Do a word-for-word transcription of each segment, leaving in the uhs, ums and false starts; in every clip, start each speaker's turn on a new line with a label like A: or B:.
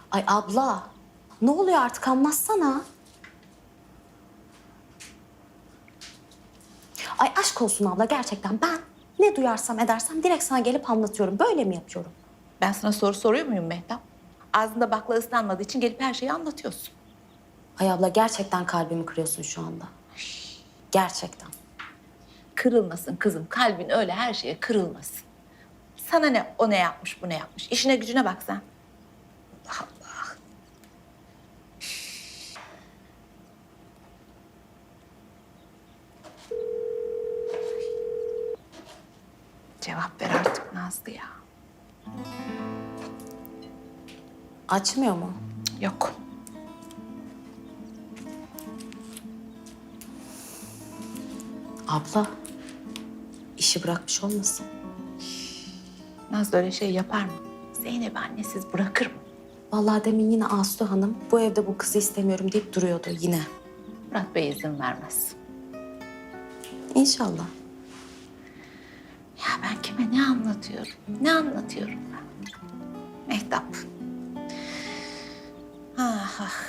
A: Ay abla, ne oluyor artık anlatsana. Ay aşk olsun abla gerçekten ben ne duyarsam edersem direkt sana gelip anlatıyorum. Böyle mi yapıyorum?
B: Ben sana soru soruyor muyum Mehtap? Ağzında bakla ıslanmadığı için gelip her şeyi anlatıyorsun.
A: Ay abla gerçekten kalbimi kırıyorsun şu anda. Gerçekten.
B: Kırılmasın kızım. Kalbin öyle her şeye kırılmasın. Sana ne o ne yapmış bu ne yapmış. İşine gücüne bak sen. Allah Allah. Cevap ver artık Nazlı ya.
A: Açmıyor mu?
B: Yok.
A: Abla, işi bırakmış olmasın?
B: Nazlı öyle şey yapar mı? Zeynep'i annesiz bırakır mı?
A: Vallahi demin yine Aslı Hanım bu evde bu kızı istemiyorum deyip duruyordu yine.
B: Murat Bey izin vermez.
A: İnşallah.
B: Ya ben kime ne anlatıyorum? Ne anlatıyorum ben? Mehtap. Ah ah.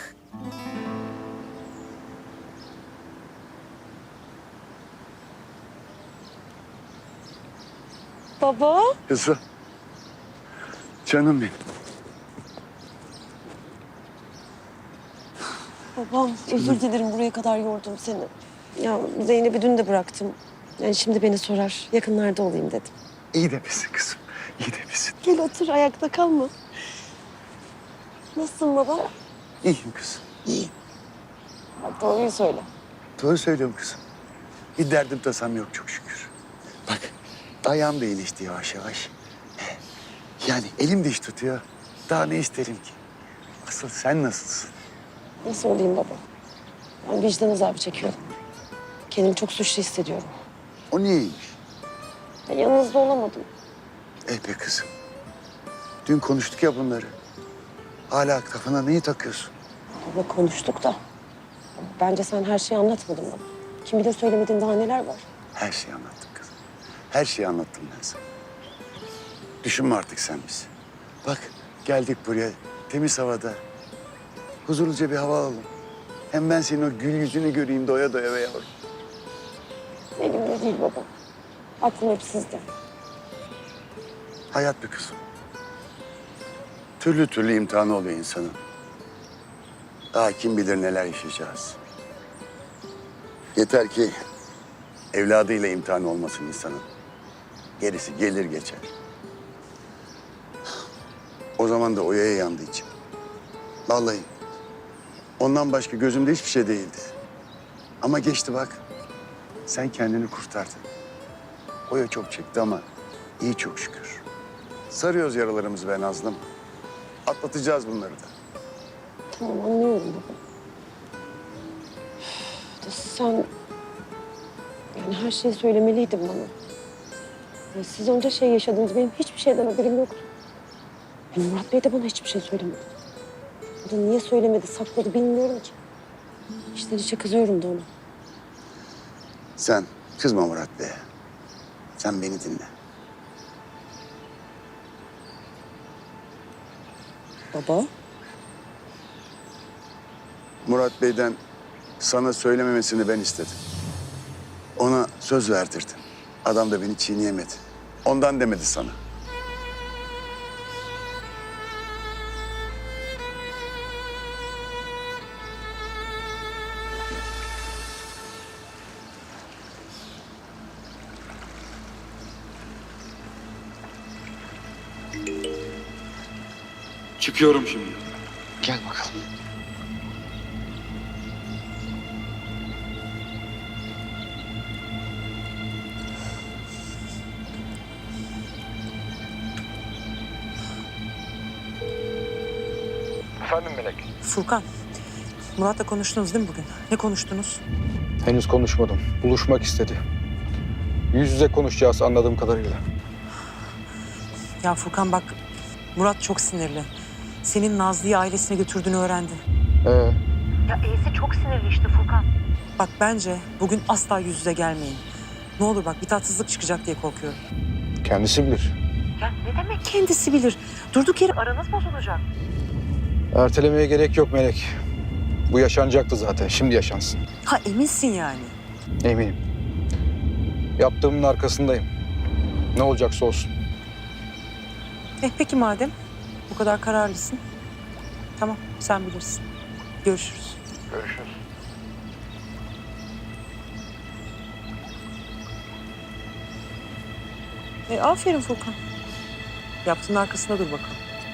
C: Baba.
D: Kızım. Canım benim.
C: Babam özür dilerim buraya kadar yordum seni. Ya Zeynep'i dün de bıraktım. Yani şimdi beni sorar. Yakınlarda olayım dedim.
D: İyi demesin kızım. İyi demesin.
C: Gel otur ayakta kalma. Nasılsın baba?
D: İyiyim kızım. İyiyim.
C: Bak, doğruyu söyle.
D: Doğru söylüyorum kızım. Bir derdim tasam yok çok şükür. Bak ayağım da iyileşti yavaş yavaş. Yani elim de iş tutuyor. Daha ne isterim ki? Asıl sen nasılsın?
C: Nasıl olayım baba? Ben vicdan azabı çekiyorum. Kendimi çok suçlu hissediyorum.
D: O niyeymiş?
C: Ben yanınızda olamadım.
D: Eh be kızım. Dün konuştuk ya bunları. Hala kafana neyi takıyorsun?
C: Baba konuştuk da. Bence sen her şeyi anlatmadın bana. Kim bilir söylemediğin daha neler var.
D: Her şeyi anlattım kızım. Her şeyi anlattım ben sana. Düşünme artık sen bizi. Bak geldik buraya temiz havada. Huzurluca bir hava alalım. Hem ben senin o gül yüzünü göreyim doya doya be yavrum.
C: Elimde değil baba. Aklım hep sizde.
D: Hayat bir kızım. Türlü türlü imtihanı oluyor insanın. Daha kim bilir neler yaşayacağız. Yeter ki evladıyla imtihan olmasın insanın. Gerisi gelir geçer. O zaman da oyaya yandı içim. Vallahi ondan başka gözümde hiçbir şey değildi. Ama geçti bak. Sen kendini kurtardın. Oya çok çekti ama iyi çok şükür. Sarıyoruz yaralarımızı be Nazlım. Atlatacağız bunları da.
C: Tamam anlıyorum baba. Üf, de sen yani her şeyi söylemeliydin bana. Ya siz onca şey yaşadınız. Benim hiçbir şeyden haberim yoktu. Yani Murat Bey de bana hiçbir şey söylemedi. O da niye söylemedi, sakladı bilmiyorum ki. İçten içe kızıyorum da ona.
D: Sen kızma Murat Bey'e. Sen beni dinle.
C: Baba?
D: Murat Bey'den sana söylememesini ben istedim. Ona söz verdirdim. Adam da beni çiğneyemedi. Ondan demedi sana.
E: Çıkıyorum şimdi.
D: Gel bakalım.
E: Efendim Melek?
F: Furkan, Murat'la konuştunuz değil mi bugün? Ne konuştunuz?
G: Henüz konuşmadım. Buluşmak istedi. Yüz yüze konuşacağız anladığım kadarıyla.
F: Ya Furkan bak, Murat çok sinirli. Senin Nazlı'yı ailesine götürdüğünü öğrendi.
G: Ee,
F: Ya E'si çok sinirli işte Furkan. Bak bence bugün asla yüz yüze gelmeyin. Ne olur bak bir tatsızlık çıkacak diye korkuyorum.
G: kendisi bilir.
F: Ya ne demek kendisi bilir? Durduk yere aranız bozulacak.
G: Ertelemeye gerek yok Melek. Bu yaşanacaktı zaten. Şimdi yaşansın.
F: Ha eminsin yani.
G: Eminim. Yaptığımın arkasındayım. Ne olacaksa olsun.
F: Eh peki madem bu kadar kararlısın. Tamam sen bilirsin. Görüşürüz.
G: Görüşürüz.
F: E, aferin Furkan. Yaptığın arkasında dur bakalım.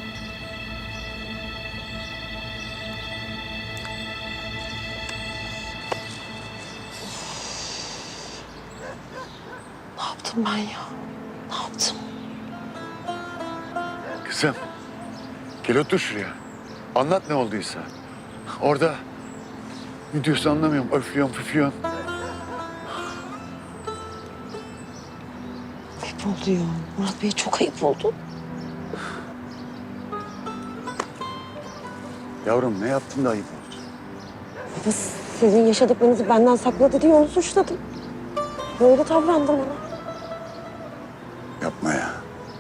C: Ne yaptım ben ya? Ne yaptım?
D: Kızım, gel otur şuraya. Anlat ne olduysa. Orada ne diyorsun anlamıyorum. Öflüyorsun, püflüyorsun.
C: Ayıp oldu ya. Murat Bey çok ayıp oldu.
D: Yavrum ne yaptın da ayıp oldu.
C: Baba sizin yaşadıklarınızı benden sakladı diye onu suçladım. Böyle davrandı bana.
D: Yapma ya.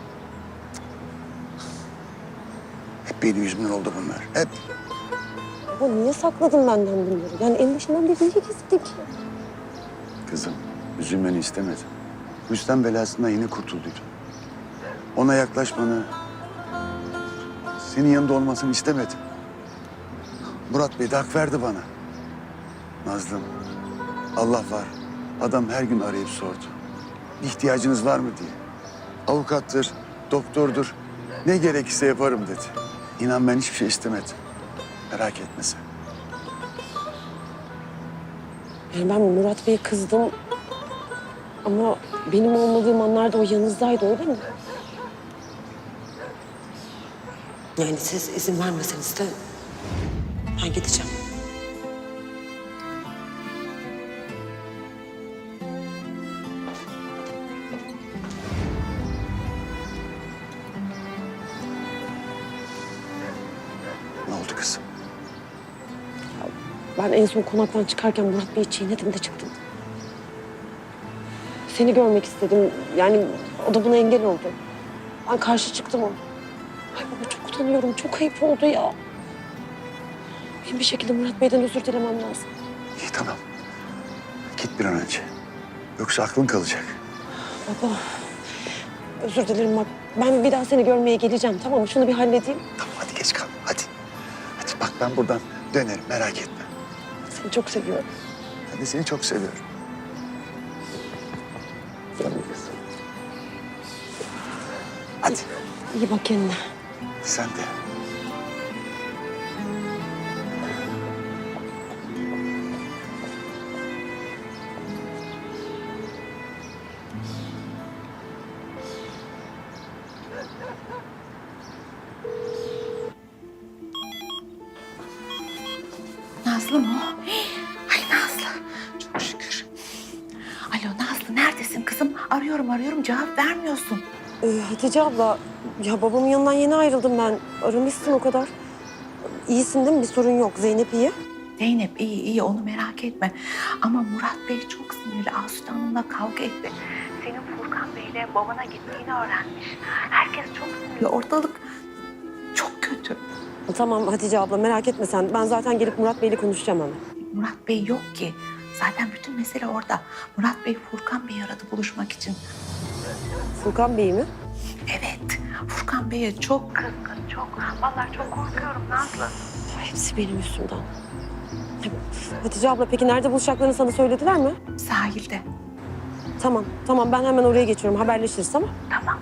D: Hep benim yüzümden oldu bunlar. Hep.
C: Baba niye sakladın benden bunları? Yani en başından beri niye gizledin ki?
D: Kızım, üzülmeni istemedim. Rüstem belasından yeni kurtulduydum. Ona yaklaşmanı, senin yanında olmasını istemedim. Murat Bey de hak verdi bana. Nazlım, Allah var. Adam her gün arayıp sordu. Bir ihtiyacınız var mı diye. Avukattır, doktordur. Ne gerekirse yaparım dedi. İnan ben hiçbir şey istemedim. Merak etme sen.
C: Yani ben Murat Bey'e kızdım. Ama benim olmadığım anlarda o yanınızdaydı öyle mi? Yani siz izin vermeseniz de ben gideceğim.
D: Ne oldu kızım?
C: Ben en son konaktan çıkarken Murat Bey'i çiğnedim de çıktım. Seni görmek istedim. Yani o da buna engel oldu. Ben karşı çıktım ona. Ay baba çok utanıyorum. Çok ayıp oldu ya. Benim bir şekilde Murat Bey'den özür dilemem lazım.
D: İyi tamam. Git bir an önce. Yoksa aklın kalacak.
C: Baba özür dilerim bak. Ben bir daha seni görmeye geleceğim tamam mı? Şunu bir halledeyim.
D: Tamam hadi geç kalma hadi. Hadi bak ben buradan dönerim merak etme.
C: Seni çok seviyorum.
D: Ben de seni çok seviyorum. Canım kızım. Hadi
C: İyi bak kendine.
D: sen de.
B: Nazlı mı o? Ay Nazlı. Çok şükür. Alo Nazlı neredesin kızım? Arıyorum arıyorum cevap vermiyorsun.
C: Ee, Hatice abla, ya babamın yanından yeni ayrıldım ben. Aramışsın o kadar. İyisin değil mi? Bir sorun yok. Zeynep iyi.
B: Zeynep iyi iyi onu merak etme. Ama Murat Bey çok sinirli. Asude Hanım'la kavga etti. Senin Furkan Bey'le babana gittiğini öğrenmiş. Herkes çok sinirli. Ortalık çok kötü.
C: Tamam Hatice abla merak etme sen. Ben zaten gelip Murat Bey'le konuşacağım hemen.
B: Murat Bey yok ki. Zaten bütün mesele orada. Murat Bey Furkan Bey'i aradı buluşmak için.
C: Furkan Bey mi?
B: Evet. Furkan Bey'e çok kızgın, çok. Vallahi çok korkuyorum Nazlı.
C: Hepsi benim üstümden. Hatice abla peki nerede buluşacaklarını sana söylediler mi?
B: Sahilde.
C: Tamam, tamam ben hemen oraya geçiyorum. Haberleşiriz tamam.
B: Tamam.